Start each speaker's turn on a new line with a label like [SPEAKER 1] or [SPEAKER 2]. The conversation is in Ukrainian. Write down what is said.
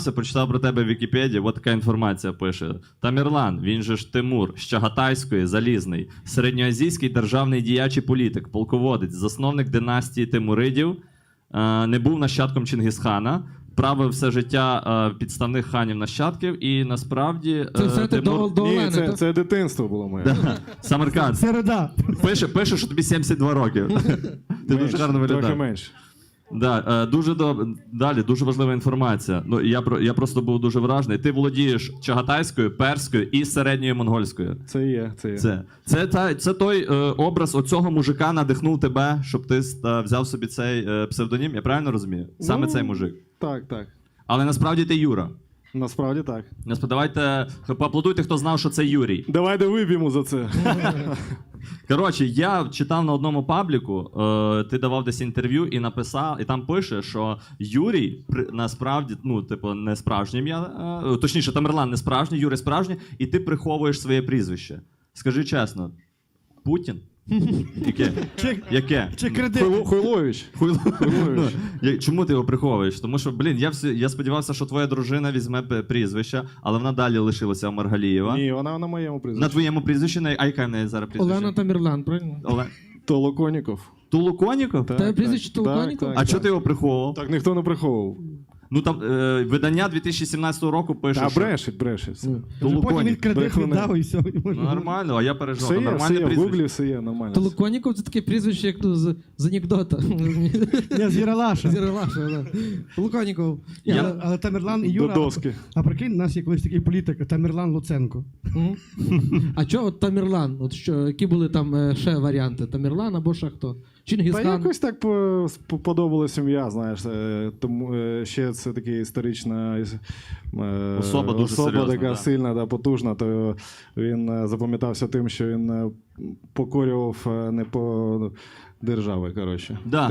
[SPEAKER 1] Прочитав про тебе в Вікіпедії, от така інформація пише. Тамерлан, він же ж Тимур, з Чагатайської, Залізний, середньоазійський державний діяч і політик, полководець, засновник династії Тимуридів, не був нащадком Чингісхана, правив все життя підставних ханів-нащадків і насправді...
[SPEAKER 2] Це все ти до
[SPEAKER 3] Ні,
[SPEAKER 2] Олени, так?
[SPEAKER 3] це дитинство було моє.
[SPEAKER 1] Да. Самарканд.
[SPEAKER 4] Середа.
[SPEAKER 1] Пише, що тобі 72 роки. Ти дуже гарно
[SPEAKER 3] Трохи
[SPEAKER 1] виглядаєш.
[SPEAKER 3] менше.
[SPEAKER 1] Да, дуже далі, дуже важлива інформація. Ну, я просто був дуже вражений. Ти володієш чагатайською, перською і середньою монгольською.
[SPEAKER 3] Це є.
[SPEAKER 1] Це той образ оцього мужика надихнув тебе, щоб ти взяв собі цей псевдонім. Я правильно розумію? Саме цей мужик.
[SPEAKER 3] Так.
[SPEAKER 1] Але насправді ти Юра.
[SPEAKER 3] Насправді так.
[SPEAKER 1] Давайте поаплодуйте, хто знав, що це Юрій.
[SPEAKER 3] Давайте вип'ємо за це.
[SPEAKER 1] Коротше, я читав на одному пабліку, ти давав десь інтерв'ю і написав, і там пише, що Юрій насправді, ну, типу, не справжнє ім'я, точніше, Тамерлан не справжній, Юрій справжній, і ти приховуєш своє прізвище. Скажи чесно, Путін? Яке?
[SPEAKER 4] Чи кредит?
[SPEAKER 3] Хуйлович.
[SPEAKER 1] Чому ти його приховуєш? Тому що, я сподівався, що твоя дружина візьме прізвище, але вона далі лишилася у Маргалієва.
[SPEAKER 3] Ні, вона на моєму прізвищі.
[SPEAKER 1] На твоєму прізвищі, а яка в неї зараз прізвище?
[SPEAKER 2] Олена Тамерлан, правильно?
[SPEAKER 3] Толоконіков.
[SPEAKER 1] Тулуконіков?
[SPEAKER 2] Тебе прізвище Толоконіков?
[SPEAKER 1] А чого ти його приховував?
[SPEAKER 3] Так ніхто не приховував.
[SPEAKER 1] Ну там видання 2017 року пише,
[SPEAKER 3] Та
[SPEAKER 1] що...
[SPEAKER 3] брешить.
[SPEAKER 4] Потім він
[SPEAKER 1] Толоконіков.
[SPEAKER 4] кредит
[SPEAKER 3] брехуни.
[SPEAKER 4] віддав і все.
[SPEAKER 1] Ну, нормально, а я переживав.
[SPEAKER 3] Все є,
[SPEAKER 1] Нормальне
[SPEAKER 3] в
[SPEAKER 1] прізвище.
[SPEAKER 3] гуглі все є, нормально.
[SPEAKER 2] Толоконіков — це таке прізвище, як ну, з анекдота.
[SPEAKER 4] Я з Єралаша.
[SPEAKER 2] Зірелаша, да. Толоконіков.
[SPEAKER 4] Але Тамерлан і
[SPEAKER 3] До
[SPEAKER 4] Юра.
[SPEAKER 3] доски.
[SPEAKER 4] А прикинь, у нас є колись такий політик Тамерлан Луценко.
[SPEAKER 2] А чого от Тамерлан? От що, які були там ще варіанти? Тамерлан або ще хто?
[SPEAKER 3] Та
[SPEAKER 2] Чингісхан?
[SPEAKER 3] якось так подобалась ім'я, знаєш. Тому ще це така історична
[SPEAKER 1] Особа дуже серйозна,
[SPEAKER 3] така
[SPEAKER 1] да.
[SPEAKER 3] сильна, да, потужна, то він запам'ятався тим, що він покорював не по держави, коротше.
[SPEAKER 1] Да.